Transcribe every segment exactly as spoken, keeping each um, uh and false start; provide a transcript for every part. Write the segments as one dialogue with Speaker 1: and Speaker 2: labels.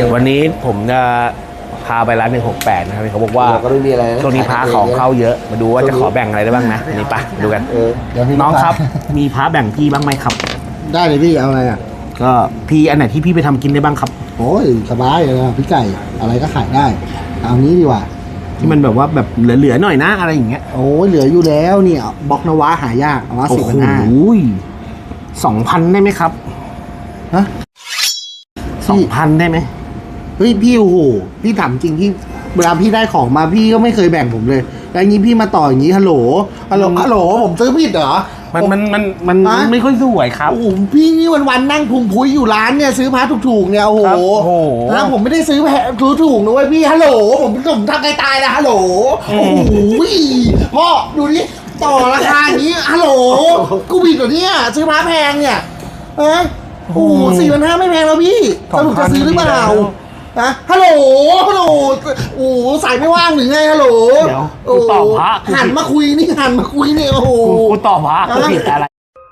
Speaker 1: วันนี้ผมจะพาไปร้านหนึ่งหกแปดนะครับเขาบอกว่า
Speaker 2: ก็ไม่มีอะไรนะ
Speaker 1: ช่วงนี้พระของเข้าเยอะมาดูว่าจะขอแบ่งอะไรได้บ้างนะอันนี้ปะดูกัน
Speaker 2: เออเดี๋ยวพี่
Speaker 1: น้องครับ มีพระแบ่งพี่บ้างไหมครับ
Speaker 2: ได้เลยพี่เอาอะไรอ่ะ
Speaker 1: ก็พี่อันไหนที่พี่ไปทำกินได้บ้างครับ
Speaker 2: โอ้ยสบายเลยนะพี่ไก่อะไรก็ขายได้เอานี้ดีกว่า
Speaker 1: ที่มันแบบว่าแบบเหลือๆหน่อยนะอะไรอย่างเงี้ย
Speaker 2: โอ้ยเหลืออยู่แล้วเนี่ยบล็อกนวะหายากเอามา
Speaker 1: โอ้
Speaker 2: สี่
Speaker 1: โห
Speaker 2: พันห้า
Speaker 1: สองพันได้ไหมครับ
Speaker 2: ฮะ
Speaker 1: สองพันได้ไหม
Speaker 2: เฮ้ยพี่โอ้โหพี่ถามจริงพี่เวลาพี่ได้ของมาพี่ก็ไม่เคยแบ่งผมเลยแล้วอย่างนี้พี่มาต่ออย่างนี้ฮัลโหลฮัลโหลฮัลโหลผมซื้อผิดเหรอ
Speaker 1: มันมันมันมัน
Speaker 2: ฮะ
Speaker 1: ไม่ค่อยสวยครับ
Speaker 2: โอ้โหพี่นี่วันๆนั่งพุงพุ้ยอยู่ร้านเนี่ยซื้อพาถูกๆเนี่ยโอ้โห
Speaker 1: ครับโอ้โห
Speaker 2: แล้วผมไม่ได้ซื้อแพงซื้อถูกนะเว้ยพี่ฮัลโหลผมผมทำใครตายนะฮัลโหลโอ้โหพ่อดูดิต่อราคาอย่างนี้ฮัลโหลกูผิดเหรอเนี่ยซื้อพาแพงเนี่ยเอะโอ้โหสี่พันห้าไม่แพงแล้วพี่สรุปจะซื้อหรือเปล่านะฮัลโหลฮัลโหลโอ้โหสายไม่ว่างหรือไงฮัลโหล
Speaker 1: เดี๋ยวกูตอบพระกูผิด
Speaker 2: หันมาคุยนี่หันมาคุยเนี่ยโอ้โห
Speaker 1: กูกูตอบพระกูผิดอะไร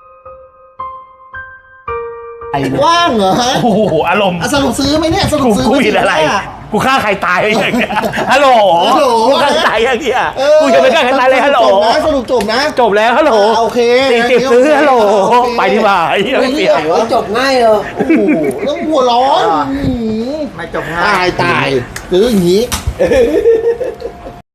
Speaker 1: ไอ้เนี่ย
Speaker 2: ว่างเหรอฮะ
Speaker 1: โอ้โหอารมณ์
Speaker 2: อ่ะสรุปซื้อไหมเนี่ยสรุป
Speaker 1: กู
Speaker 2: ซื้อ
Speaker 1: กูผิดอะไร
Speaker 2: หม
Speaker 1: กูฆ่าใครตายอะไรอย่างเงี้ยฮัลโหล
Speaker 2: ฮัลโหล
Speaker 1: กูฆ่าใครตายอย่างเงี้ย
Speaker 2: เออ
Speaker 1: กูจะไม่ฆ่าใครตายเลยฮัลโหล
Speaker 2: จบนะสรุปจบนะ
Speaker 1: จบแล้วฮัลโหล
Speaker 2: อ่ะโอเค
Speaker 1: สี่สิบซื้อฮัลโหล
Speaker 2: โอเค
Speaker 1: ไปดีกว่าไอ้เหี้ยไม่เสีย
Speaker 2: โอ้ยจบง่ายเลยโอ้โหต้องหัวร้อน
Speaker 1: ไม่จบง่าย
Speaker 2: ตายตายซื้ออย่างนี้